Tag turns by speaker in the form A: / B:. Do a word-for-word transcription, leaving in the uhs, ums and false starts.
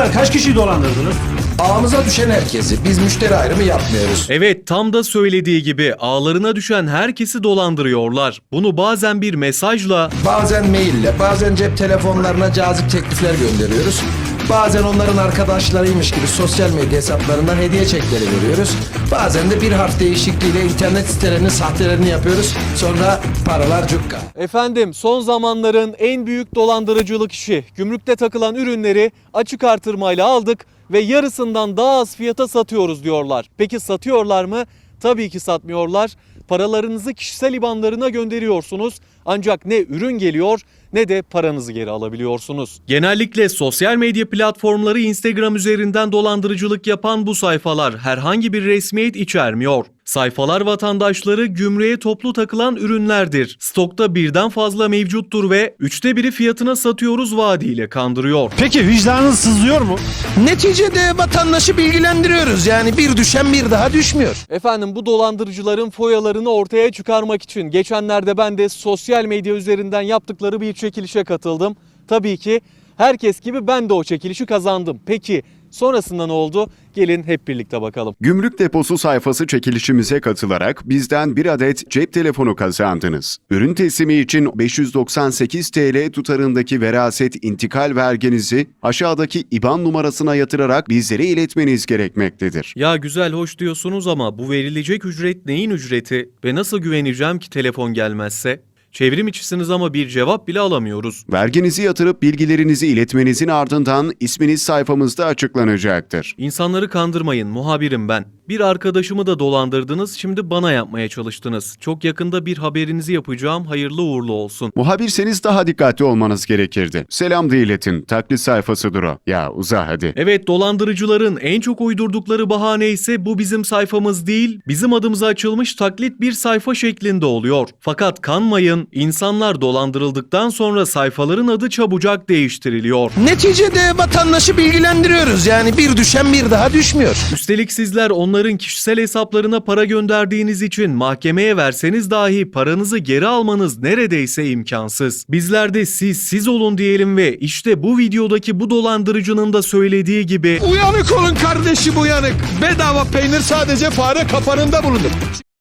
A: kadar kaç kişiyi dolandırdınız?
B: Ağımıza düşen herkesi. Biz müşteri ayrımı yapmıyoruz.
C: Evet, tam da söylediği gibi ağlarına düşen herkesi dolandırıyorlar. Bunu bazen bir mesajla,
B: Bazen maille, bazen cep telefonlarına cazip teklifler gönderiyoruz. Bazen onların arkadaşlarıymış gibi sosyal medya hesaplarından hediye çekleri veriyoruz. Bazen de bir harf değişikliğiyle internet sitelerinin sahtelerini yapıyoruz. Sonra paralar cukka.
C: efendim son zamanların en büyük dolandırıcılık işi. Gümrükte takılan ürünleri açık artırmayla aldık ve yarısından daha az fiyata satıyoruz diyorlar. Peki satıyorlar mı? Tabii ki satmıyorlar. Paralarınızı kişisel ibanlarına gönderiyorsunuz. Ancak ne ürün geliyor ne de paranızı geri alabiliyorsunuz. Genellikle sosyal medya platformları Instagram üzerinden dolandırıcılık yapan bu sayfalar herhangi bir resmiyet içermiyor. Sayfalar vatandaşları gümrüğe toplu takılan ürünlerdir. Stokta birden fazla mevcuttur ve üçte biri fiyatına satıyoruz vaadiyle kandırıyor.
A: Peki vicdanınız sızlıyor mu?
B: Neticede vatandaşı bilgilendiriyoruz. Yani bir düşen bir daha düşmüyor.
C: Efendim bu dolandırıcıların foyalarını ortaya çıkarmak için geçenlerde ben de sosyal medya üzerinden yaptıkları bir çekilişe katıldım. Tabii ki herkes gibi ben de o çekilişi kazandım. Peki sonrasında ne oldu? Gelin hep birlikte bakalım.
D: Gümrük Deposu sayfası çekilişimize katılarak bizden bir adet cep telefonu kazandınız. Ürün teslimi için beş yüz doksan sekiz TL tutarındaki veraset intikal verginizi aşağıdaki İBAN numarasına yatırarak bizlere iletmeniz gerekmektedir.
C: Ya güzel hoş diyorsunuz ama bu verilecek ücret neyin ücreti ve nasıl güveneceğim ki telefon gelmezse? Çevrim içisiniz ama bir cevap bile alamıyoruz.
D: Verginizi yatırıp bilgilerinizi iletmenizin ardından isminiz sayfamızda açıklanacaktır.
C: İnsanları kandırmayın, muhabirim ben. Bir arkadaşımı da dolandırdınız, şimdi bana yapmaya çalıştınız. Çok yakında bir haberinizi yapacağım, hayırlı uğurlu olsun.
D: Muhabirseniz daha dikkatli olmanız gerekirdi. Selam da iletin, taklit sayfasıdır o. Ya uza hadi.
C: Evet, dolandırıcıların en çok uydurdukları bahane ise bu bizim sayfamız değil, bizim adımıza açılmış taklit bir sayfa şeklinde oluyor. Fakat kanmayın, insanlar dolandırıldıktan sonra sayfaların adı çabucak değiştiriliyor.
B: Neticede vatandaşı bilgilendiriyoruz. Yani bir düşen bir daha düşmüyor.
C: Üstelik sizler onların kişisel hesaplarına para gönderdiğiniz için mahkemeye verseniz dahi paranızı geri almanız neredeyse imkansız. Bizler de siz siz olun diyelim ve işte bu videodaki bu dolandırıcının da söylediği gibi
E: Uyanık olun kardeşim, uyanık. Bedava peynir sadece fare kapanında bulunur.